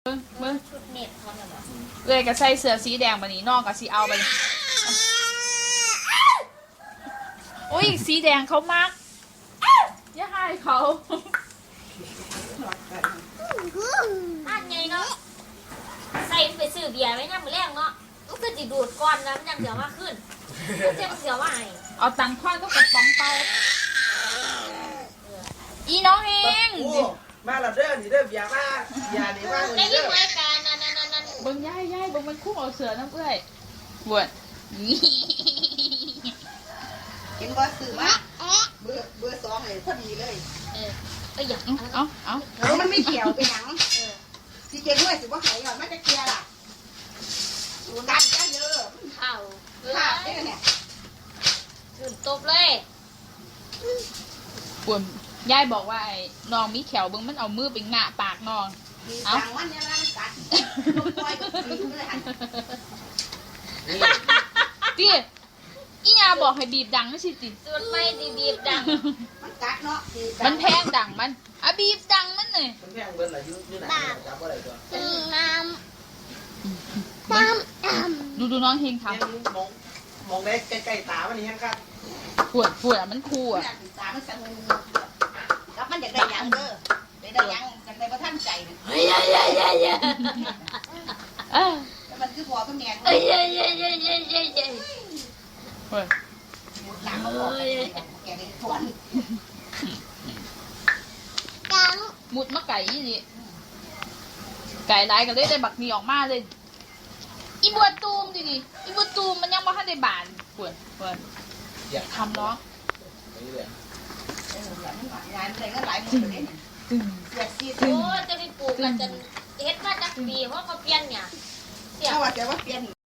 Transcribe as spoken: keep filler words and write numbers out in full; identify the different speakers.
Speaker 1: เบิ้ง
Speaker 2: ชุดเน็ตเขาเนี่ยบอก
Speaker 1: เลยก็ใส่เสื้อสีแดงบันนี้นอกก็สีเอาไปโอ้ยสีแดงเขามักอย่าให้เขา
Speaker 2: นั่นไงเนาะใส่ไปซื้อเบียร์ไว้เนี่ยมือแรกเนาะก็คือจิดูดก้อนนะมันยังเสียวมากขึ้นเจ็บเสียวว่าไง
Speaker 1: เอาตังค์คว้านก็กระป๋องเปาอีน้องเฮง
Speaker 3: มาแล้วเด้อนี่เด้ออย่ามาอย่านี่มา
Speaker 2: ได้
Speaker 3: นี่
Speaker 2: ยิ
Speaker 3: เด้
Speaker 2: น
Speaker 3: อ
Speaker 2: รายการนั่นนั่นนั่น
Speaker 1: เบิ้งย่ายย่ายเบิ้งมันคุ้งเอาเสือน้ำเอ้ยบวช
Speaker 4: เห็นว่าสื่อมาเบอร์เบอร์สองเลยพอดีเลย
Speaker 2: เออเอออย่าง
Speaker 1: เอาเอา
Speaker 4: เออมันไม่เกี่ยวไปหนังสีเกด้วยสิว่าหายก่อนไม่จะเกียร์ล่ะดูดันจ้าเยอะ
Speaker 2: เข่าเล
Speaker 4: ภาพนี่
Speaker 2: ย
Speaker 4: เนี่ย
Speaker 2: ตื่นตบเลย
Speaker 1: บวชย่ายบอกว่าไอ้น้องมีแขวเบิ้งมันเอามือไปงะปากน้อง
Speaker 4: มีจังวันเนี่ยร่างกัดลูกปล่อยก็ตีเลยหัน
Speaker 1: ตีอีญาบอกให้บีบดังไม่ใช่ติ
Speaker 2: ส่วนไม่ดีบีบดัง
Speaker 4: มันกัดเนาะ
Speaker 1: มันแพงดังมันอ่ะบีบดังมันเลย
Speaker 3: มันแพงเบิ้ลอะไรยุ่ยุ่ไหนจับอะไรตัว
Speaker 2: น้ำน้ำน้ำ
Speaker 1: ดูดูน้องเฮงท
Speaker 3: ยังมองมองได้ใกล้ๆตามันนี่ยังครับ
Speaker 1: ำปวดปวดอ่ะมันคู่อ่ะ
Speaker 4: ตามันสั่นกับมันอยากได้ยังเด้อได้ได้ยังอยากได้ประทันใจ
Speaker 2: เฮ้ยเฮ้ยเฮ้ยเฮ้ยเฮ้ย
Speaker 1: เอ้ย
Speaker 4: แล้วมันคือพอก็แมน
Speaker 2: เฮ้ยเฮ้ยเฮ้ยเฮ้ยเฮ้ยเฮ้ยเฮ้ย
Speaker 1: เฮ้ย
Speaker 4: หลังเขาบอกแกได้ทวน
Speaker 2: ดัง
Speaker 1: มุดมาไก่ยี่นี่ไก่ลายก็เลยได้บักนี่ออกมาเลย อีบัวตูมดิดิอีบัวตูมมันยังบ่ทันได้บานปวดปวด
Speaker 3: อย่า
Speaker 1: ทำเนาะ
Speaker 3: นี่เลย
Speaker 4: เออหลังมันงานอะไรก็หลายมือเลย
Speaker 1: ตึง
Speaker 4: เสียซี
Speaker 2: โอ้จะไปปลูกกันจนเฮ็ดมาจากปีเพราะเขาเปลี่ยนเนี่ย
Speaker 4: เอาว่าแต่ว่าเปลี่ยน